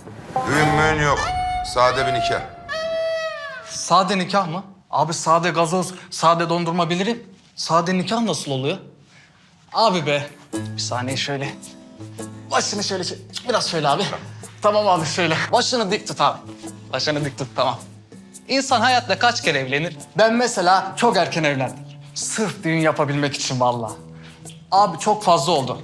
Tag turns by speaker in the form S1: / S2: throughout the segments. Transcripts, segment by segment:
S1: Düğün müğün yok. Sade bir nikah.
S2: Sade nikah mı? Abi sade gazoz, sade dondurma bilirim. Sade nikah nasıl oluyor? Abi be. Bir saniye şöyle. Başını şöyle, biraz şöyle abi. Tamam abi şöyle. Başını dik tut abi. Başını dik tut tamam. İnsan hayatta kaç kere evlenir? Ben mesela çok erken evlendim. Sırf düğün yapabilmek için vallahi. Abi çok fazla oldu.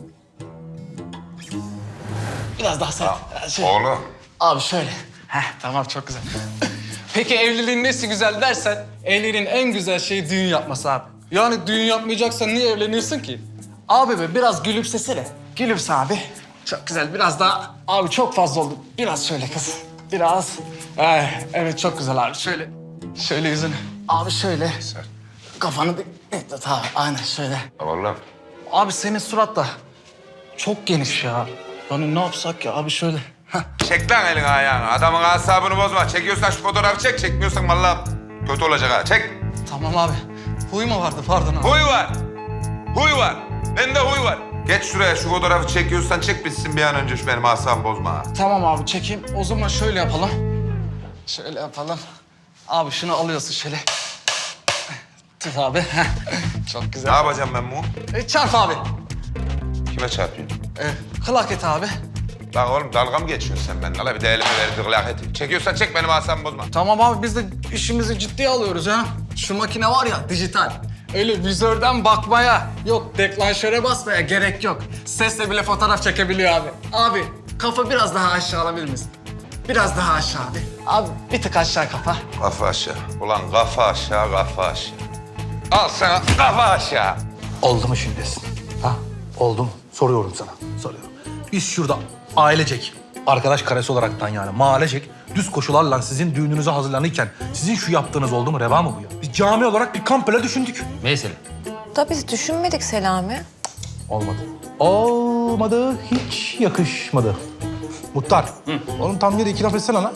S2: Biraz daha sert. Şöyle.
S1: Oğlum.
S2: Abi şöyle. Tamam çok güzel. Peki evliliğin nesi güzel dersen, evliliğin en güzel şeyi düğün yapması abi. Yani düğün yapmayacaksan niye evleniyorsun ki? Abi be biraz gülümsesene. Gülümse abi. Çok güzel biraz daha. Abi çok fazla oldu. Biraz şöyle kız. Biraz. Evet çok güzel abi. Şöyle. Şöyle yüzünü. Abi şöyle.
S1: Sert.
S2: Kafanı bir... Tamam aynen şöyle.
S1: Oğlum.
S2: Abi senin surat da çok geniş ya. Yani ne yapsak ya abi şöyle.
S1: Çek lan elini ayağını. Adamın asabını bozma. Çekiyorsan şu fotoğrafı çek. Çekmiyorsan vallahi kötü olacak ha. Çek.
S2: Tamam abi. Huy mu vardı pardon abi.
S1: Huy var. Huy var. Bende huy var. Geç şuraya şu fotoğrafı çekiyorsan çek bitsin bir an önce şu benim asabımı bozma ha.
S2: Tamam abi çekeyim. O zaman şöyle yapalım. Şöyle yapalım. Abi şunu alıyorsun şöyle. Tut abi. Çok
S1: Ne
S2: güzel.
S1: yapacağım ben bu?
S2: Çarp abi.
S1: Kime çarpıyorsun?
S2: Kılak et abi.
S1: Lan oğlum dalga mı geçiyorsun sen benimle? Hala bir de elime verdi gılak eti. Çekiyorsan çek benim asabımı bozma.
S2: Tamam abi biz de işimizi ciddiye alıyoruz ha. Şu makine var ya dijital. Öyle vizörden bakmaya, yok deklanşöre basmaya gerek yok. Sesle bile fotoğraf çekebiliyor abi. Abi kafa biraz daha aşağı alabilir misin? Biraz daha aşağı abi. Abi bir tık aşağı kafa.
S1: Kafa aşağı. Ulan kafa aşağı, kafa aşağı. Al sana kafa aşağı.
S3: Oldu mu şimdi? Ha? Oldu mu? Soruyorum sana. Soruyorum. Biz şurada ailecek, arkadaş karesi olaraktan yani mahallecek düz koşularla sizin düğününüze hazırlanırken sizin şu yaptığınız oldu mu? Reva mı bu ya? Biz cami olarak bir kamp bile düşündük.
S4: Mesela.
S5: Da biz düşünmedik Selami.
S3: Olmadı. Olmadı, hiç yakışmadı. Muhtar, oğlum tam yere iki laf etsene lan.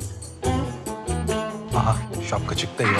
S3: Aha, şapka çıktı eyvah.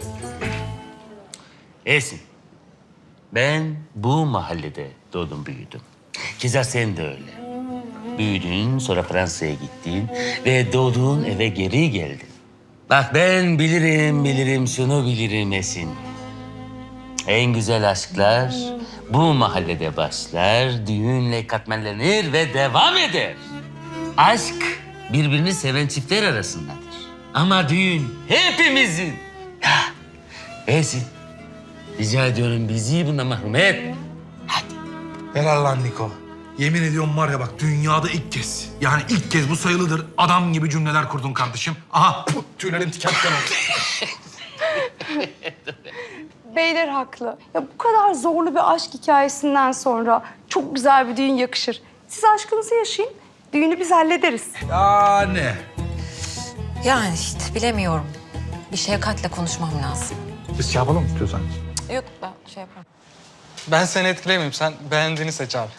S4: Esin. Ben bu mahallede doğdum büyüdüm. Keza sen de öyle. Büyüdün, sonra Fransa'ya gittin ve doğduğun eve geri geldin. Bak ben bilirim şunu bilirim Esin. En güzel aşklar bu mahallede başlar, düğünle katmerlenir ve devam eder. Aşk birbirini seven çiftler arasındadır. Ama düğün hepimizin. Ya Esin, rica ediyorum bizi bundan mahrum et.
S3: Helal lan Niko. Yemin ediyorum var ya bak dünyada ilk kez. Yani ilk kez bu sayılıdır. Adam gibi cümleler kurdun kardeşim. Aha tüylerim diken diken oldu.
S6: Beyler haklı. Ya bu kadar zorlu bir aşk hikayesinden sonra çok güzel bir düğün yakışır. Siz aşkınızı yaşayın, düğünü biz hallederiz.
S3: Yani.
S5: Yani işte bilemiyorum. Bir Şevkat'le konuşmam lazım.
S3: Biz şey yapalım mı istiyorsan?
S5: Yok ben şey yaparım.
S2: Ben seni etkilemeyeyim. Sen beğendiğini seç abi.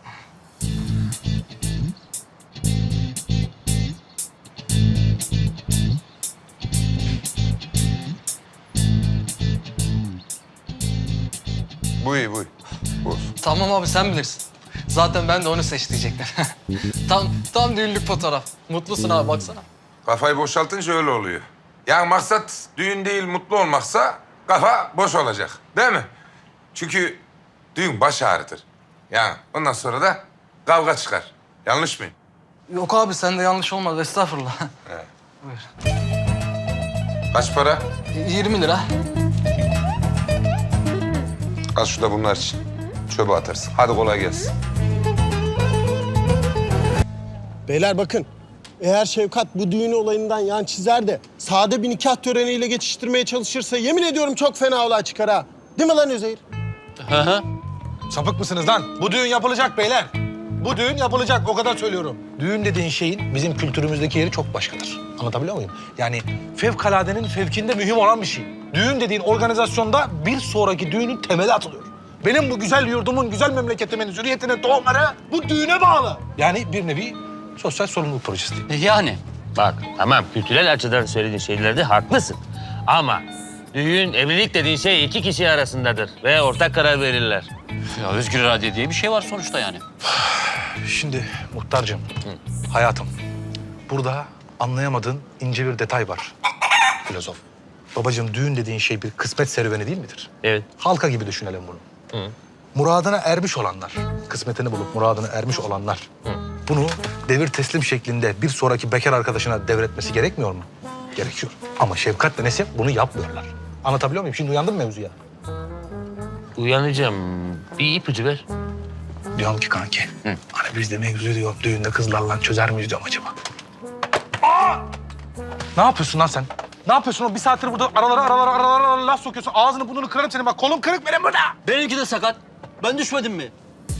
S1: Bu iyi, bu iyi. Bu olsun.
S2: Tamam abi sen bilirsin. Zaten ben de onu seç diyecektim. tam düğünlük fotoğraf. Mutlusun abi baksana.
S1: Kafayı boşaltınca öyle oluyor. Yani maksat düğün değil mutlu olmaksa kafa boş olacak. Değil mi? Çünkü düğün baş ağrıtır. Yani ondan sonra da kavga çıkar. Yanlış mıyım?
S2: Yok abi sen de yanlış olmaz estağfurullah.
S1: Kaç para?
S2: 20 lira.
S1: Al şu da bunlar için. Çöpe atarsın. Hadi kolay gelsin.
S7: Beyler bakın, eğer Şevkat bu düğün olayından yan çizer de sade bir nikah töreniyle geçiştirmeye çalışırsa yemin ediyorum çok fena olay çıkar ha. Değil mi lan Üzeyir?
S3: Sapık mısınız lan? Bu düğün yapılacak beyler. Bu düğün yapılacak, o kadar söylüyorum. Düğün dediğin şeyin bizim kültürümüzdeki yeri çok başkadır. Anlatabiliyor muyum? Yani fevkaladenin fevkinde mühim olan bir şey. Düğün dediğin organizasyonda bir sonraki düğünün temeli atılıyor. Benim bu güzel yurdumun, güzel memleketimin, zürriyetinin tohumları bu düğüne bağlı. Yani bir nevi sosyal sorumluluk projesi diyeyim.
S4: Yani bak tamam kültürel açıdan söylediğin şeylerde haklısın. Ama düğün, evlilik dediğin şey iki kişi arasındadır ve ortak karar verirler.
S8: Ya özgür irade diye bir şey var sonuçta yani.
S3: Şimdi muhtarcığım, hayatım. burada anlayamadığın ince bir detay var. Filozof. Babacığım düğün dediğin şey bir kısmet serüveni değil midir?
S4: Evet.
S3: Halka gibi düşünelim bunu. Muradına ermiş olanlar, kısmetini bulup muradına ermiş olanlar bunu devir teslim şeklinde bir sonraki bekar arkadaşına devretmesi gerekmiyor mu? Gerekiyor. Ama Şefkat ve Nesim bunu yapmıyorlar. Anlatabiliyor muyum? Şimdi uyandın mı mevzuya?
S4: Uyanacağım. Bir ipucu ver.
S3: Diyorum ki kanki, hani biz de mevzuyu diyor, düğünde kızlarla çözer miyiz diyorum acaba? Ne yapıyorsun lan sen? Ne yapıyorsun o? Bir saattir burada aralara laf sokuyorsun. Ağzını burnunu kırarım senin. Bak kolum kırık benim burada.
S8: Benimki de sakat. Ben düşmedim mi?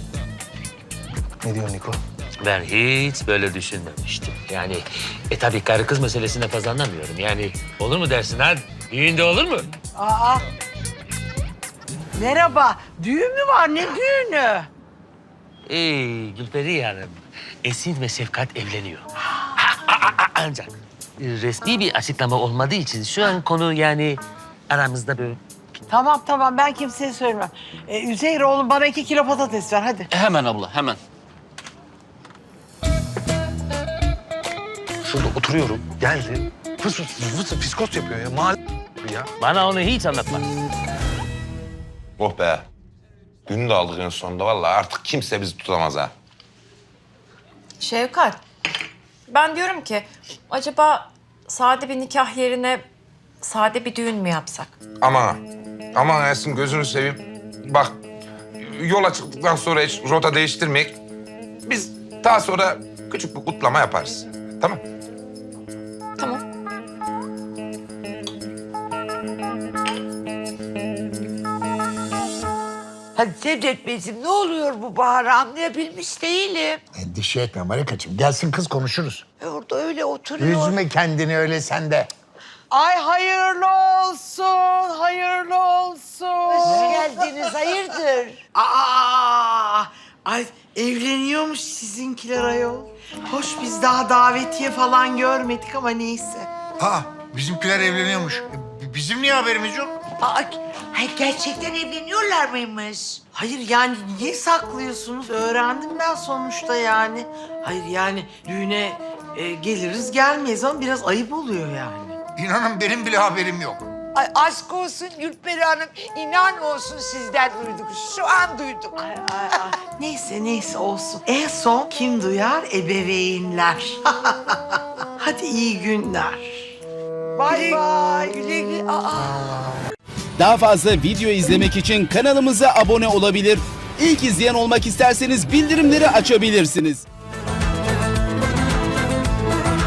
S3: Ne diyorsun Niko?
S4: Ben hiç böyle düşünmemiştim. Yani tabii karı kız meselesine fazla anlamıyorum. Yani olur mu dersin ha? Düğünde olur mu?
S9: Aa. Merhaba. Düğün mü var? Ne düğünü?
S4: Gülperi Hanım, Esin ve Şefkat evleniyor. Ancak resmi bir açıklama olmadığı için şu an konu yani aramızda böyle.
S9: Tamam ben kimseye söylemem. Üzeyir oğlum bana 2 kilo patates ver hadi.
S8: Hemen abla, hemen.
S3: Şurada oturuyorum. Geldi. Fıs fiskos yapıyor ya. Mahalle ya.
S4: Bana onu hiç anlatma.
S1: Oh be. Günü de aldık en sonunda. Vallahi artık kimse bizi tutamaz ha.
S5: Şevkat, ben diyorum ki acaba sade bir nikah yerine sade bir düğün mü yapsak?
S1: Aman Ersin gözünü seveyim. Bak yola çıktıktan sonra hiç rota değiştirmeyek. Biz daha sonra küçük bir kutlama yaparız. Tamam.
S5: Tamam.
S9: Hadi Cevdet Beyciğim ne oluyor bu Bahar'ı anlayabilmiş değilim.
S10: Endişe etme Marikacığım. Gelsin kız konuşuruz.
S9: Orada öyle oturuyor.
S10: Üzme kendini öyle sen de.
S9: Ay hayırlı olsun, hayırlı olsun. Hoş geldiniz, hayırdır? Ay evleniyormuş sizinkiler ayol. Hoş biz daha davetiye falan görmedik ama neyse.
S10: Aa, bizimkiler evleniyormuş. Bizim niye haberimiz yok?
S9: Gerçekten evleniyorlar mıymış? Hayır yani niye saklıyorsunuz? Öğrendim ben sonuçta yani. Hayır yani düğüne geliriz gelmeyiz ama biraz ayıp oluyor yani.
S10: İnanın benim bile haberim yok.
S9: Ay aşk olsun Gülperi Hanım. İnan olsun sizden duyduk. Şu an duyduk. Neyse olsun. En son kim duyar? Ebeveynler. Hadi iyi günler. Bay bay. Güle güle.
S11: Daha fazla video izlemek için kanalımıza abone olabilir. İlk izleyen olmak isterseniz bildirimleri açabilirsiniz.